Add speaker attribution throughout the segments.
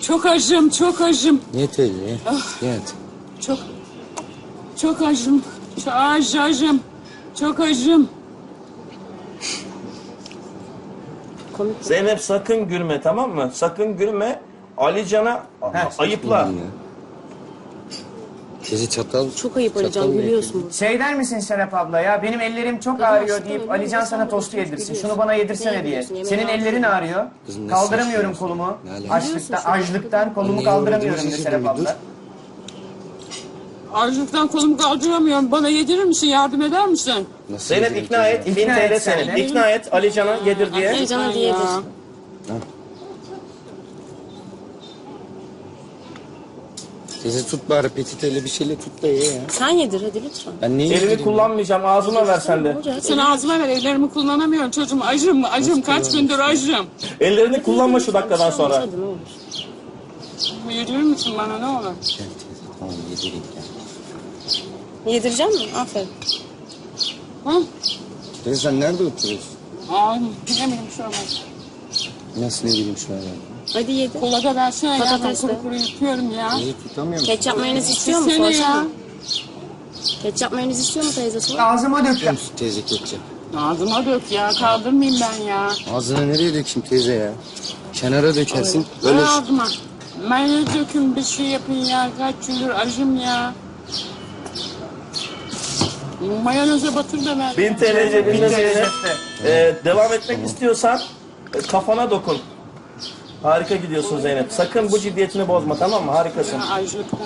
Speaker 1: Çok acım, çok acım.
Speaker 2: Yet öyle ya. Yet.
Speaker 1: Çok acım. Çok acım. Çok acım.
Speaker 3: Zeynep sakın gülme, tamam mı? Sakın gülme. Alican'a ayıpla.
Speaker 2: Teyze çatal.
Speaker 4: Çok ayıp Alican, gülüyorsun.
Speaker 5: Şey der misin Serap abla ya, benim ellerim çok ağrıyor deyip Alican sana tostu yedirsin. Şunu bana yedirsene diye. Senin ellerin ağrıyor.
Speaker 2: Kızım,
Speaker 5: Kaldıramıyorum
Speaker 2: nasıl
Speaker 5: kolumu.
Speaker 2: Ne alaka?
Speaker 5: Açlıktan kolumu kaldıramıyorum de Serap abla.
Speaker 1: Açlıktan kolumu kaldıramıyorum. Bana yedirir misin? Yardım eder misin?
Speaker 2: Nasıl
Speaker 3: Zeynep
Speaker 2: yedireyim
Speaker 3: ikna et.
Speaker 2: teyze?
Speaker 3: 1000
Speaker 5: İkna
Speaker 3: TL
Speaker 5: et
Speaker 3: senin.
Speaker 5: sen.
Speaker 3: İkna et Alican'a yedir diye.
Speaker 4: Alican hadi yedir.
Speaker 2: Teyze tut bari peçeteyle bir şeyle tut da ye ya.
Speaker 4: Sen yedir hadi lütfen.
Speaker 2: Ben niye
Speaker 3: Elini
Speaker 2: yedireyim?
Speaker 3: kullanmayacağım. Ağzıma ver sen de.
Speaker 1: Sen ağzıma ver. Ellerimi kullanamıyorum çocuğum. Acım, acım. Kaç gündür acım.
Speaker 3: Ellerini kullanma şu dakikadan sonra.
Speaker 4: Hadi ne olur.
Speaker 1: Yedirir misin bana ne olur?
Speaker 2: Gel teyze tamam yedireyim gel.
Speaker 4: Yedireceğim mi? Aferin.
Speaker 1: Hı?
Speaker 2: Teyze sen nerede oturuyorsun?
Speaker 1: Ay, bilemedim şu an.
Speaker 2: Nasıl ne bileyim şu an?
Speaker 4: Hadi yedir.
Speaker 1: Kola da versene ya. Ben
Speaker 4: Patatesle.
Speaker 1: kuru kuru yutuyorum ya.
Speaker 2: Teyze tutamıyorum.
Speaker 4: Ketçap mayonez istiyor mu?
Speaker 1: Seni ya.
Speaker 4: Sorsana. Ketçap mayonez istiyor mu teyze sor?
Speaker 5: Ağzıma döktüm.
Speaker 2: Tutuyor musun teyze ketçap?
Speaker 1: Ağzıma dök ya. Kaldırmayayım ben ya.
Speaker 2: Ağzına nereye dökeyim teyze ya? Kenara dökersin.
Speaker 1: Ver
Speaker 2: Öyle
Speaker 1: ağzıma. Mayonez dökün bir şey yapın ya. Kaç gündür acım ya. Mayoneze batır da ver.
Speaker 3: 1000 TL cebinde Zeynep. Devam etmek istiyorsan kafana dokun. Harika gidiyorsun Zeynep. Sakın bu ciddiyetini bozma, tamam mı? Harikasın.
Speaker 1: Açlıktan.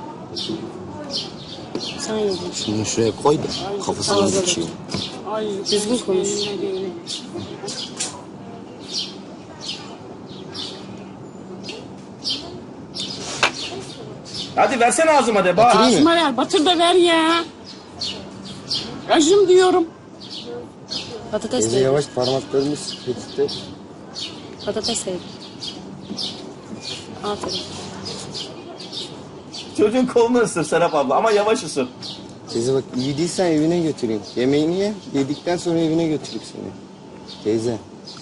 Speaker 4: Sen yedir.
Speaker 2: şunu şuraya koy da kafasına
Speaker 4: Ağzına
Speaker 2: dökeyim.
Speaker 1: Ay,
Speaker 4: Düzgün konuş.
Speaker 1: kendine değil.
Speaker 3: Hadi versene ağzıma de. Bak.
Speaker 2: Batırayım mı?
Speaker 1: Ağzıma ver. Batır da ver ya. Acım diyorum.
Speaker 4: Patates
Speaker 2: Teyze
Speaker 4: de yedir.
Speaker 2: yavaş parmaklarımız peçete.
Speaker 4: Patates de yedir. Aferin.
Speaker 3: Çocuğun kolunu ısır Serap abla ama yavaş ısır.
Speaker 2: Teyze bak iyi değilsen evine götüreyim. Yemeğini ye. Yedikten sonra evine götüreyim seni. Teyze.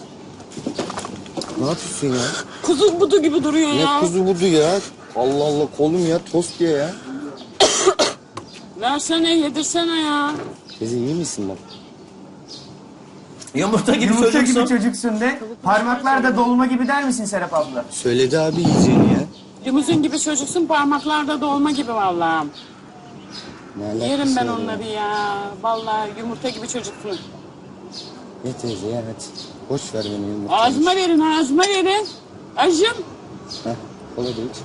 Speaker 2: Ne yapıyorsun ya?
Speaker 1: Kuzu budu gibi duruyor
Speaker 2: Ne
Speaker 1: ya.
Speaker 2: kuzu budu ya? Allah Allah kolum ya tost ye ya.
Speaker 1: Versene yedirsene ya.
Speaker 2: Teyze iyi misin bak?
Speaker 3: Yumurta gibi
Speaker 5: Yumurta
Speaker 3: çocuksun.
Speaker 5: gibi çocuksun de. Parmaklar da dolma gibi der misin Serap abla?
Speaker 2: Söyledi abi yiyeceğini ya.
Speaker 1: Limuzin gibi çocuksun parmaklarda dolma gibi vallahi.
Speaker 2: Ne alakası
Speaker 1: Yerim ben
Speaker 2: var ya?
Speaker 1: onları ya. Vallahi yumurta gibi çocuksun.
Speaker 2: Ye teyze ya hadi. Boş ver beni yumurta.
Speaker 1: Ağzıma verin ağzıma verin. Acım.
Speaker 2: Heh kola da iç.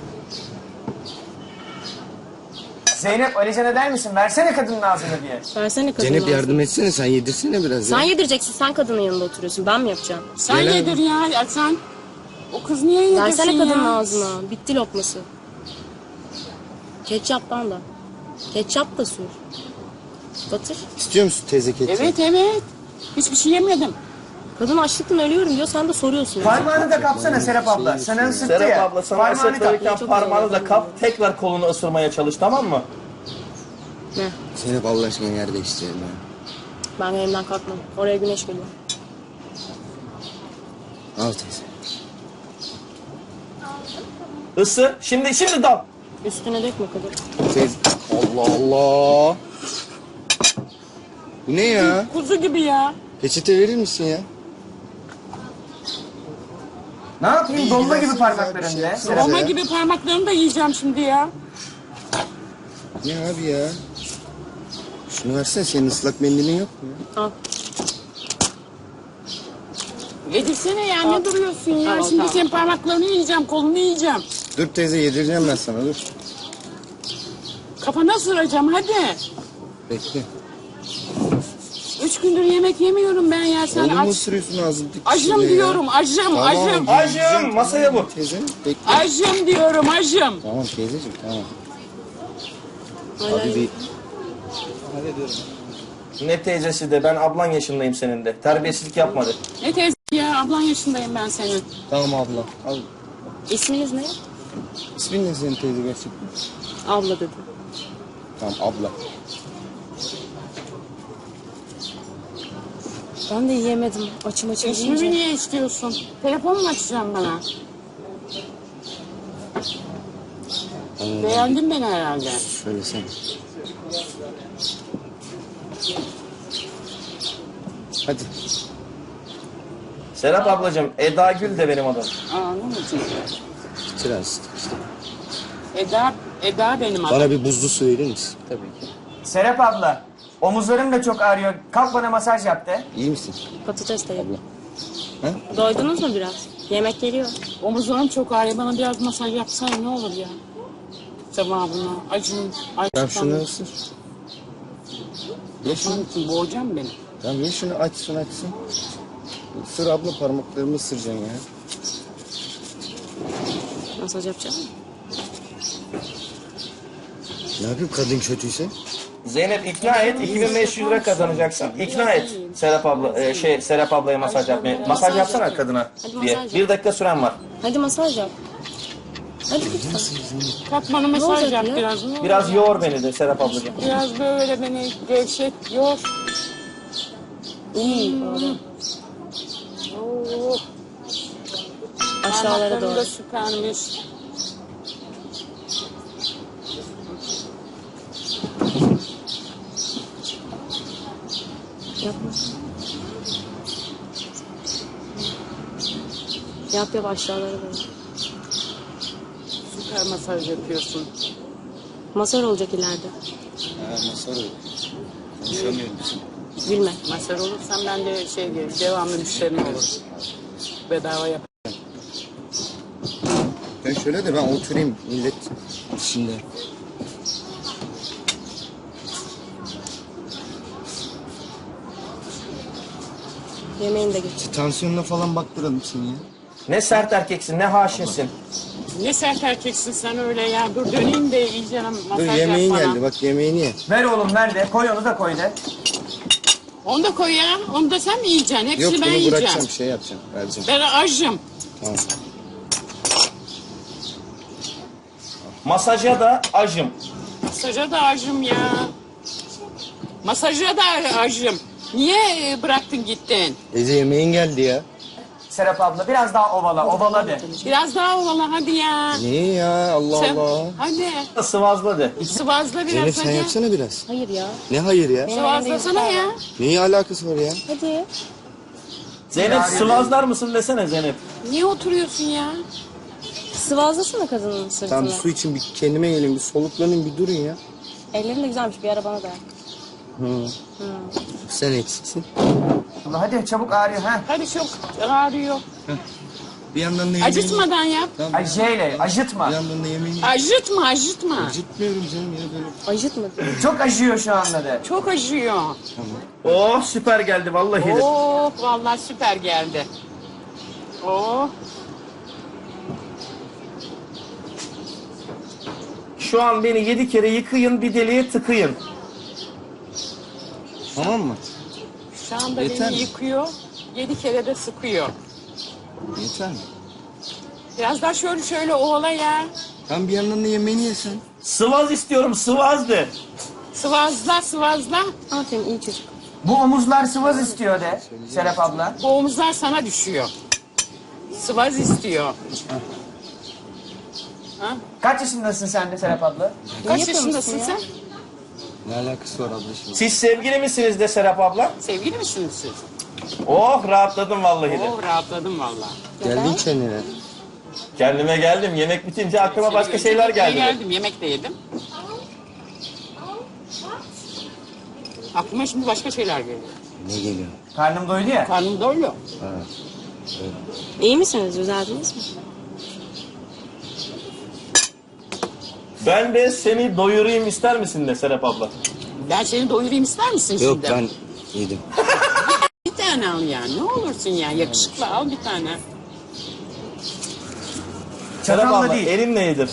Speaker 5: Zeynep Alican'a der misin? Versene kadının ağzını diye.
Speaker 4: Versene kadının
Speaker 2: Zeynep
Speaker 4: ağzını.
Speaker 2: yardım etsene sen yedirsene biraz
Speaker 4: Sen
Speaker 2: ya.
Speaker 4: yedireceksin. Sen kadının yanında oturuyorsun. Ben mi yapacağım?
Speaker 1: Sen
Speaker 2: Gel abi.
Speaker 1: yedir ya sen. O kız niye yedirsin
Speaker 4: Versene
Speaker 1: ya?
Speaker 4: kadının ağzına. Bitti lokması. Ketçaptan da. Ketçap da sür. Batır.
Speaker 2: İstiyor musun teyze ketçap?
Speaker 1: Evet evet. Hiçbir şey yemedim.
Speaker 4: Kadın açlıktan ölüyorum diyor. Sen de soruyorsun.
Speaker 5: Parmağını da kapsana Serap abla. Sana ısıttı ya.
Speaker 3: Serap abla sana
Speaker 5: Parmağını kap.
Speaker 3: ısırtırken
Speaker 4: Çok
Speaker 3: parmağını
Speaker 4: güzel.
Speaker 3: da kap. Tekrar kolunu ısırmaya çalış, tamam mı?
Speaker 4: Ne?
Speaker 2: Zeynep Allah aşkına yer değiştirelim ya.
Speaker 4: Ben yerimden kalkmam. Oraya güneş geliyor.
Speaker 2: Al teyze.
Speaker 3: Isır. Şimdi dal.
Speaker 4: Üstüne dökme kadın.
Speaker 2: Teyze. Allah Allah. Bu ne ya?
Speaker 1: Kuzu gibi ya.
Speaker 2: Peçete verir misin ya?
Speaker 5: Ne yapayım? Dolma gibi
Speaker 2: Bir
Speaker 5: parmakların
Speaker 2: şey
Speaker 5: de.
Speaker 2: yapsana.
Speaker 5: Serap.
Speaker 1: Dolma
Speaker 2: ya.
Speaker 1: gibi parmaklarını da yiyeceğim şimdi ya.
Speaker 2: Ne abi ya? Şunu versene senin ıslak mendilin yok mu ya?
Speaker 4: Al.
Speaker 1: Yedirsene ya ne duruyorsun ya?
Speaker 4: Tamam,
Speaker 1: Şimdi
Speaker 4: tamam.
Speaker 1: senin parmaklarını yiyeceğim, kolunu yiyeceğim.
Speaker 2: Dur teyze yedireceğim ben sana dur.
Speaker 1: Kafana sıracağım hadi.
Speaker 2: Bekle.
Speaker 1: 3 gündür yemek yemiyorum ben ya. Sen
Speaker 2: Oğlum mu
Speaker 1: aç.
Speaker 2: ısırıyorsun ağzını
Speaker 1: Acım diyorum, acım,
Speaker 2: Tamam.
Speaker 1: acım.
Speaker 3: Acım, masaya vur.
Speaker 2: Teyze bekle.
Speaker 1: Acım diyorum, acım.
Speaker 2: Tamam teyzeciğim tamam.
Speaker 4: Aynen.
Speaker 2: Abi bir
Speaker 3: Ne teyzesi de ben ablan yaşındayım senin de. Terbiyesizlik yapmadı.
Speaker 1: Ne teyze ya, ablan yaşındayım ben senin.
Speaker 2: tamam abla. Al.
Speaker 4: İsminiz ne?
Speaker 2: İsmin ne senin teyze gerçekten?
Speaker 4: Abla dedi.
Speaker 2: Tamam abla.
Speaker 4: Ben de yiyemedim. Açım
Speaker 1: İsmimi
Speaker 4: yiyince.
Speaker 1: niye istiyorsun? Telefon mu açacaksın bana? Beğendin beni herhalde.
Speaker 2: Söylesene. Hadi.
Speaker 3: Serap ablacığım, Eda Gül de benim adım.
Speaker 1: Anladın mı?
Speaker 2: Bitir artık.
Speaker 1: Eda benim adım.
Speaker 2: Bana bir buzlu su verir misin? Tabii ki.
Speaker 5: Serap abla, omuzlarım da çok ağrıyor. Kalk bana masaj yap de.
Speaker 2: İyi misin?
Speaker 4: Patates de yedim.
Speaker 2: Ha?
Speaker 4: Doydunuz mu biraz? Yemek geliyor.
Speaker 1: Omuzlarım çok ağrıyor. Bana biraz masaj yapsana ne olur ya. Sevabına. Acım.
Speaker 2: Tamam şunu ısır. Ye şunu.
Speaker 1: Şunun için boğacağım beni.
Speaker 2: Tamam ye şunu açsın. Isır abla, parmaklarımı ısıracaksın ya.
Speaker 4: Masaj yapacağım mı?
Speaker 2: Ne yapayım kadın kötüyse?
Speaker 3: Zeynep ikna et, 2500 lira kazanacaksın. İkna et Serap abla, Serap ablaya masaj yapmaya. Masaj yapsana kadına
Speaker 4: Hadi
Speaker 3: diye.
Speaker 4: masaj yap.
Speaker 3: 1 dakika süren var.
Speaker 4: Hadi masaj yap. Hadi lütfen.
Speaker 1: Kalk bana mesaj
Speaker 4: olacak
Speaker 1: yap
Speaker 4: ya?
Speaker 1: biraz. Ne olur
Speaker 3: Biraz
Speaker 1: ya.
Speaker 3: yoğur beni de Serap ablacığım.
Speaker 1: Biraz böyle beni gevşet, yor.
Speaker 4: İyi.
Speaker 1: Oh.
Speaker 4: Aşağılara
Speaker 1: Parmaklarım
Speaker 4: doğru.
Speaker 1: da süpermiş.
Speaker 4: Yapma. Yap aşağılara doğru.
Speaker 1: Süper masaj yapıyorsun.
Speaker 4: Masaj olacak ileride.
Speaker 2: Ha masar olur. Konuşamıyorum.
Speaker 4: Gülme.
Speaker 1: Masaj olursan ben de devamlı müşterim olur. Bedava yap.
Speaker 2: Ben şöyle de ben oturayım millet içinde.
Speaker 4: Yemeğini de geç.
Speaker 2: Tansiyonuna falan baktıralım seni ya.
Speaker 3: Ne sert erkeksin, ne haşinsin.
Speaker 1: Ne sert erkeksin sen öyle ya. Dur döneyim de iyice
Speaker 2: Dur
Speaker 1: masaj
Speaker 2: yemeğin
Speaker 1: yap bana.
Speaker 2: geldi bak yemeğini ye.
Speaker 5: Ver oğlum ver de, koy onu da koy de.
Speaker 1: Onu da koy ya. Onu da sen mi yiyeceksin? Hepsini
Speaker 2: Yok
Speaker 1: ben
Speaker 2: bunu
Speaker 1: yiyeceğim.
Speaker 2: bırakacağım şey yapacağım vereceğim.
Speaker 1: Ben acım.
Speaker 2: Tamam.
Speaker 3: Masaja da acım.
Speaker 1: Masaja da acım ya. Masaja da acım. Niye bıraktın gittin?
Speaker 2: Ece yemeğin geldi ya.
Speaker 5: Serap abla biraz daha ovala de.
Speaker 1: Biraz daha ovala hadi ya.
Speaker 2: Niye ya Allah
Speaker 1: Sen-
Speaker 2: Allah.
Speaker 1: Hadi.
Speaker 3: Sıvazladı.
Speaker 1: Sıvazla biraz
Speaker 2: Zeynep sen
Speaker 1: hadi.
Speaker 2: yapsana biraz.
Speaker 4: Hayır ya.
Speaker 2: Ne hayır ya?
Speaker 1: Sıvazlasana ya.
Speaker 2: Neyi alakası var ya?
Speaker 4: Hadi.
Speaker 3: Zeynep sıvazlar mısın desene Zeynep.
Speaker 1: Niye oturuyorsun ya?
Speaker 4: Sıvazlasana kadının sırtını.
Speaker 2: Tamam su için bir kendime gelin bir soluklanın bir durun ya.
Speaker 4: Ellerin de güzelmiş. Bir ara bana da.
Speaker 2: Hı. Sen eksiksin.
Speaker 5: Abla hadi çabuk ağrıyor ha.
Speaker 1: Hadi çok ağrıyor.
Speaker 2: Bir yandan da yemeğini...
Speaker 1: Acıtmadan yap.
Speaker 2: Tamam.
Speaker 5: Ay J'yle acıtma.
Speaker 2: Bir yandan da yemeğini...
Speaker 1: Acıtma acıtma.
Speaker 2: Acıtmıyorum canım ya böyle.
Speaker 4: Acıtmadı.
Speaker 5: Çok acıyor şu anda de.
Speaker 1: Çok acıyor.
Speaker 3: Oh süper geldi vallahi de.
Speaker 1: Oh vallahi süper geldi. Oh.
Speaker 3: Şu an beni 7 kere yıkayın, bir deliğe tıkayın.
Speaker 2: Tamam mı?
Speaker 1: Şu anda
Speaker 2: Yeter
Speaker 1: beni
Speaker 2: mi?
Speaker 1: yıkıyor. 7 kere de sıkıyor.
Speaker 2: Yeter mi?
Speaker 1: Biraz daha şöyle ovala ya.
Speaker 2: Tam bir yandan da yemeğini yesen.
Speaker 3: Sıvaz istiyorum, sıvaz de.
Speaker 1: Sıvazla.
Speaker 4: Aferin iyi çocuk.
Speaker 5: Bu omuzlar sıvaz istiyor de Serap abla.
Speaker 1: Bu omuzlar sana düşüyor. Sıvaz istiyor. Ha?
Speaker 5: Kaç yaşındasın sen de Serap abla?
Speaker 1: Kaç
Speaker 4: yapıyor
Speaker 1: yaşındasın
Speaker 4: musun ya?
Speaker 1: sen?
Speaker 2: Ne alakası var ablacığım?
Speaker 3: Siz sevgili misiniz de Serap abla?
Speaker 1: Sevgili misiniz siz?
Speaker 3: Oh rahatladım vallahi de.
Speaker 1: Oh rahatladım vallahi.
Speaker 2: Geldin kendine.
Speaker 3: Kendime geldim. Yemek bitince aklıma başka şeyler geldi.
Speaker 1: Geldim, yemek de yedim. Aklıma şimdi başka şeyler geliyor.
Speaker 2: Ne geliyor?
Speaker 5: Karnım doydu ya.
Speaker 1: Karnım doyuyor.
Speaker 4: İyi misiniz? Düzeldiniz mi?
Speaker 3: Ben de seni doyurayım ister misin de Serap abla?
Speaker 1: Ben seni doyurayım ister misin
Speaker 2: Yok
Speaker 1: şimdi?
Speaker 2: ben yedim.
Speaker 1: Bir tane al ya. Ne olursun ya. Yakışıklı al bir tane.
Speaker 3: Serap
Speaker 5: Çatalla
Speaker 3: abla
Speaker 5: değil.
Speaker 3: elinle yedir.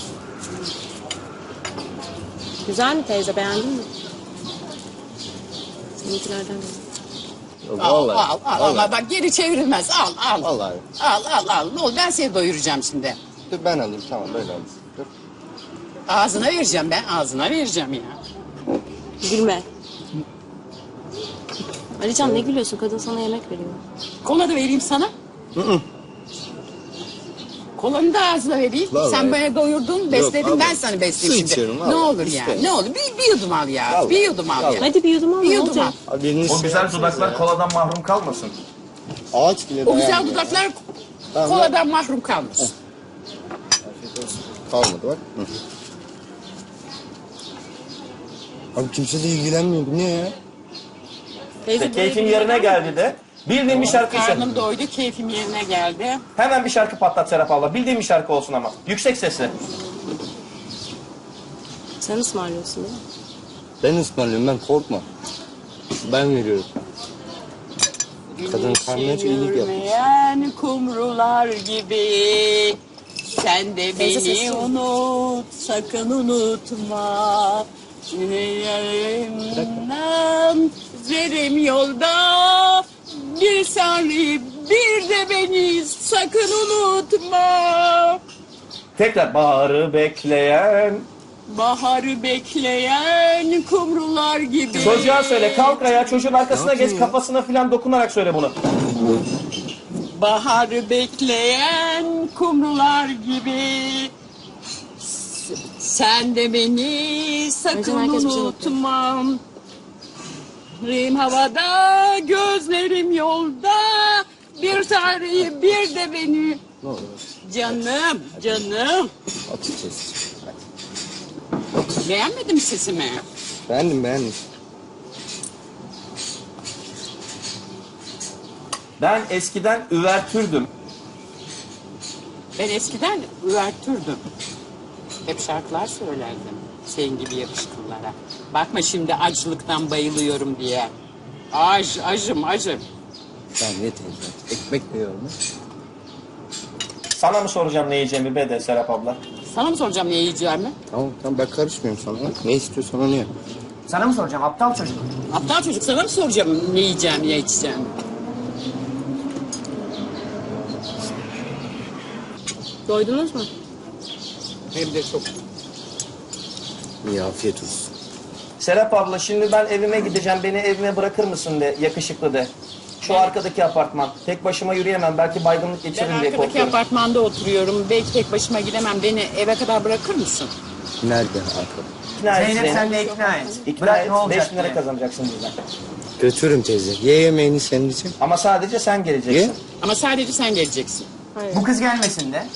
Speaker 4: Güzel mi teyze? Beğendin mi? Seninkilerden de.
Speaker 1: Al, bak geri çevrilmez. Al.
Speaker 2: Vallahi.
Speaker 1: Al. Ne olur ben seni doyuracağım şimdi.
Speaker 2: Dur ben alayım tamam böyle alayım. Dur.
Speaker 1: Ağzına vereceğim ben. Ağzına vereceğim ya.
Speaker 4: Gülme. Alican ne gülüyorsun? Kadın sana yemek veriyor.
Speaker 1: Kola da vereyim sana. Kolanı da ağzına vereyim.
Speaker 2: Vallahi.
Speaker 1: Sen bana doyurdun, besledin,
Speaker 2: abla.
Speaker 1: ben sana
Speaker 2: Su
Speaker 1: besleyeyim
Speaker 2: içiyorum,
Speaker 1: şimdi. Ne
Speaker 2: vallahi.
Speaker 1: olur ya,
Speaker 2: İşte.
Speaker 1: ne olur. Bir yudum al ya,
Speaker 2: Vallahi.
Speaker 1: bir yudum al ya.
Speaker 4: Hadi bir yudum al.
Speaker 1: Bir
Speaker 4: Ne
Speaker 1: yudum
Speaker 4: olacak?
Speaker 1: al.
Speaker 2: Abi elini
Speaker 3: O güzel dudaklar koladan mahrum kalmasın.
Speaker 2: Ağaç bile
Speaker 1: O güzel
Speaker 2: dayanmıyor.
Speaker 1: dudaklar
Speaker 2: Tamam,
Speaker 1: koladan mahrum kalmış.
Speaker 2: Kalmadı bak. Hı. Abi kimse de ilgilenmiyor. Bu ne ya?
Speaker 4: Teyze
Speaker 3: İşte keyfim yerine geldi de. Bildiğin bir şarkı söyle.
Speaker 1: Karnım doydu, keyfim yerine geldi.
Speaker 3: Hemen bir şarkı patlat Serap abla. Bildiğin bir şarkı olsun ama. Yüksek sesle.
Speaker 4: sen ısmarlıyorsun değil mi?
Speaker 2: Ben ısmarlıyorum, ben korkma. Ben veriyorum. Kadın karnına hiç iyilik yapmış.
Speaker 1: Yürümeyen kumrular gibi. Sen de
Speaker 4: Teyze sessiz
Speaker 1: beni
Speaker 4: ol.
Speaker 1: unut, sakın unutma. Yerimden zerim yolda. Bir sarı bir de beni sakın unutma.
Speaker 3: Tekrar baharı bekleyen.
Speaker 1: Baharı bekleyen kumrular gibi.
Speaker 3: Çocuğa söyle kalk ayağa çocuğun arkasına geç kafasına filan dokunarak söyle bunu.
Speaker 1: Baharı bekleyen kumrular gibi. Sen de beni sakın
Speaker 4: Önce herkes bir şey
Speaker 1: unutma. Rim havada, gözlerim yolda. Bir tarihi bir de beni.
Speaker 2: Ne olur.
Speaker 1: Canım, canım.
Speaker 2: Açıkçası.
Speaker 1: Beğenmedin mi sesimi?
Speaker 2: Beğendim.
Speaker 3: Ben eskiden üvertürdüm.
Speaker 1: Ben eskiden üvertürdüm. Hep şarkılar söylerdim. Senin gibi yakışıklılara. Bakma şimdi açlıktan bayılıyorum diye. Acım.
Speaker 2: Tamam ne teyze. Ekmek de yiyorum.
Speaker 3: Sana mı soracağım ne yiyeceğimi be de Serap abla?
Speaker 1: Sana mı soracağım ne yiyeceğimi?
Speaker 2: Tamam ben karışmıyorum sana. Ne istiyorsan onu yap.
Speaker 5: Sana mı soracağım aptal çocuk?
Speaker 1: Aptal çocuk sana mı soracağım ne yiyeceğimi, ne içeceğimi?
Speaker 4: Doydunuz mu?
Speaker 1: Hem de çok.
Speaker 2: İyi afiyet olsun.
Speaker 3: Serap abla şimdi ben evime gideceğim. Beni evime bırakır mısın de yakışıklı de. Şu arkadaki apartman. Tek başıma yürüyemem. Belki baygınlık
Speaker 1: Ben
Speaker 3: geçiririm diye
Speaker 1: arkadaki
Speaker 3: korkuyorum.
Speaker 1: apartmanda oturuyorum. Belki tek başıma gidemem. Beni eve kadar bırakır mısın?
Speaker 2: Nerede arkada?
Speaker 3: İkna et
Speaker 5: Zeynep
Speaker 3: Zeynep.
Speaker 5: sen de ikna et.
Speaker 3: İkna
Speaker 5: Bırak
Speaker 3: et.
Speaker 5: ne olacak
Speaker 3: 5 bin lira
Speaker 5: diye.
Speaker 3: kazanacaksın bizden.
Speaker 2: Götürürüm teyze. Ye yemeğini senin için.
Speaker 3: Ama sadece sen geleceksin.
Speaker 2: Ye.
Speaker 1: Ama sadece sen geleceksin.
Speaker 4: Hayır.
Speaker 5: Bu kız gelmesin de.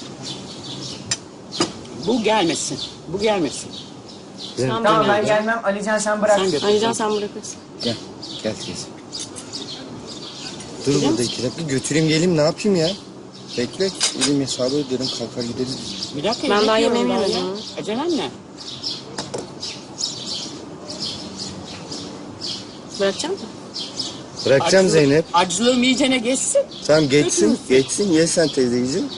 Speaker 1: Bu gelmesin. Bu gelmesin.
Speaker 2: Gel.
Speaker 4: Sen
Speaker 5: Tamam ben
Speaker 4: bırak.
Speaker 5: gelmem. Alican sen bırak.
Speaker 1: Sen götür.
Speaker 4: Alican sen bırakırsın.
Speaker 2: Gel teyze. Dur burada 2 dakika götüreyim geleyim ne yapayım ya? Bekle. Elim hesabı öderim kalkar gideriz.
Speaker 1: Bir dakika.
Speaker 4: Ben daha
Speaker 1: yemek
Speaker 4: yemeğimi
Speaker 1: yiyorum
Speaker 4: yemedim.
Speaker 1: ya. Acelem ne?
Speaker 4: Bırakacağım mı?
Speaker 2: Bırakacağım Zeynep.
Speaker 1: Acılığım iyicene geçsin.
Speaker 2: Tamam geçsin.
Speaker 1: Götürürsün.
Speaker 2: Geçsin. Ye sen teyzeciğim.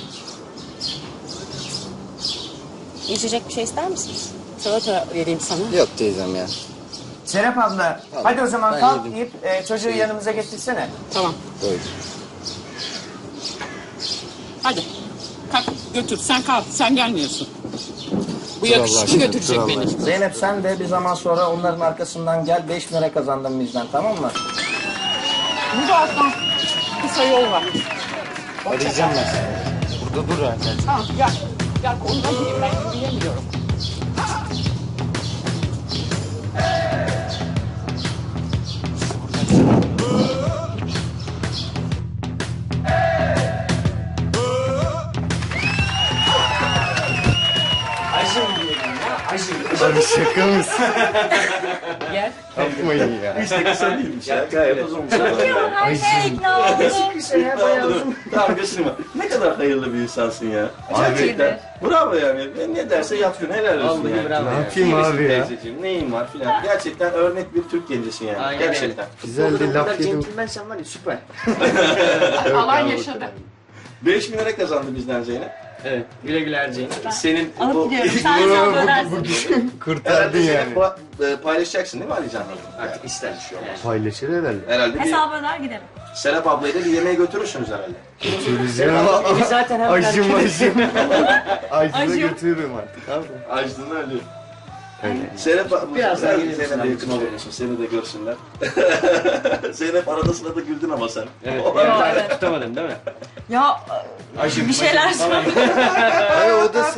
Speaker 4: İçecek bir şey ister misiniz?
Speaker 1: Salata vereyim sana.
Speaker 2: Yok teyzem ya.
Speaker 5: Serap abla hadi o zaman
Speaker 2: Ben
Speaker 5: kalk
Speaker 2: yedim.
Speaker 5: deyip çocuğu yanımıza getirsene.
Speaker 1: Tamam.
Speaker 2: Doydum.
Speaker 1: Hadi. Kalk götür. Sen kalk. Sen gelmiyorsun. Bu
Speaker 2: Dur Allah
Speaker 1: yakışıklı
Speaker 2: aşkına,
Speaker 1: götürecek
Speaker 2: dur Allah
Speaker 1: beni.
Speaker 2: aşkına.
Speaker 3: Zeynep sen de bir zaman sonra onların arkasından gel 5 bin lira kazandın bizden tamam mı?
Speaker 1: Burada alttan kısa yol var.
Speaker 2: Arayacağım ben seni. Burada dur arkadaş.
Speaker 1: Tamam gel. Gel ondan gideyim ben yürüyemiyorum.
Speaker 2: Abi şaka mısın?
Speaker 1: Gel.
Speaker 2: Yapmayın ya.
Speaker 3: Hiç de kısa değilmiş ya. Gayet uzunmuş. Tamam göstereyim. Ne kadar hayırlı bir insansın ya. Gerçekten. Bravo yani. Ne derse yapıyorsun. Helal olsun yani.
Speaker 2: Ne yapayım abi ya?
Speaker 3: Teyzeciğim, neyin var filan. Gerçekten örnek bir Türk gencisin yani.
Speaker 5: Aynen
Speaker 3: Gerçekten.
Speaker 2: Güzel de laf yedim.
Speaker 5: sen var ya süper.
Speaker 1: Alan yaşadı.
Speaker 3: 5 bin lira kazandı bizden Zeynep.
Speaker 5: Evet güle güle harcayın.
Speaker 3: Senin
Speaker 4: Alıp
Speaker 3: bu...
Speaker 4: gidiyorum. Sen hesabı ödersin.
Speaker 2: Kurtardın yani.
Speaker 3: Paylaşacaksın değil mi Alican'la?
Speaker 5: Artık ister bir şey olmaz.
Speaker 2: Paylaşır herhalde.
Speaker 3: Herhalde bir
Speaker 4: Hesabı öder gidelim.
Speaker 3: Serap ablayı da bir yemeğe götürürsünüz herhalde.
Speaker 2: Götüreceğim ama
Speaker 5: Evi zaten hemen
Speaker 2: acım. Acıda
Speaker 4: Acım.
Speaker 2: götürürüm artık abi.
Speaker 3: Açtığını ölüyor. Zeynep
Speaker 5: Biraz daha gelir
Speaker 3: Zeynep'e
Speaker 5: misin
Speaker 3: yakın oluyorsun. Seni de görsünler. Zeynep arada sırada güldün ama sen.
Speaker 6: Evet.
Speaker 7: Evet.
Speaker 6: Tutamadın değil mi?
Speaker 7: Ya bir şeyler
Speaker 2: Hayır, o da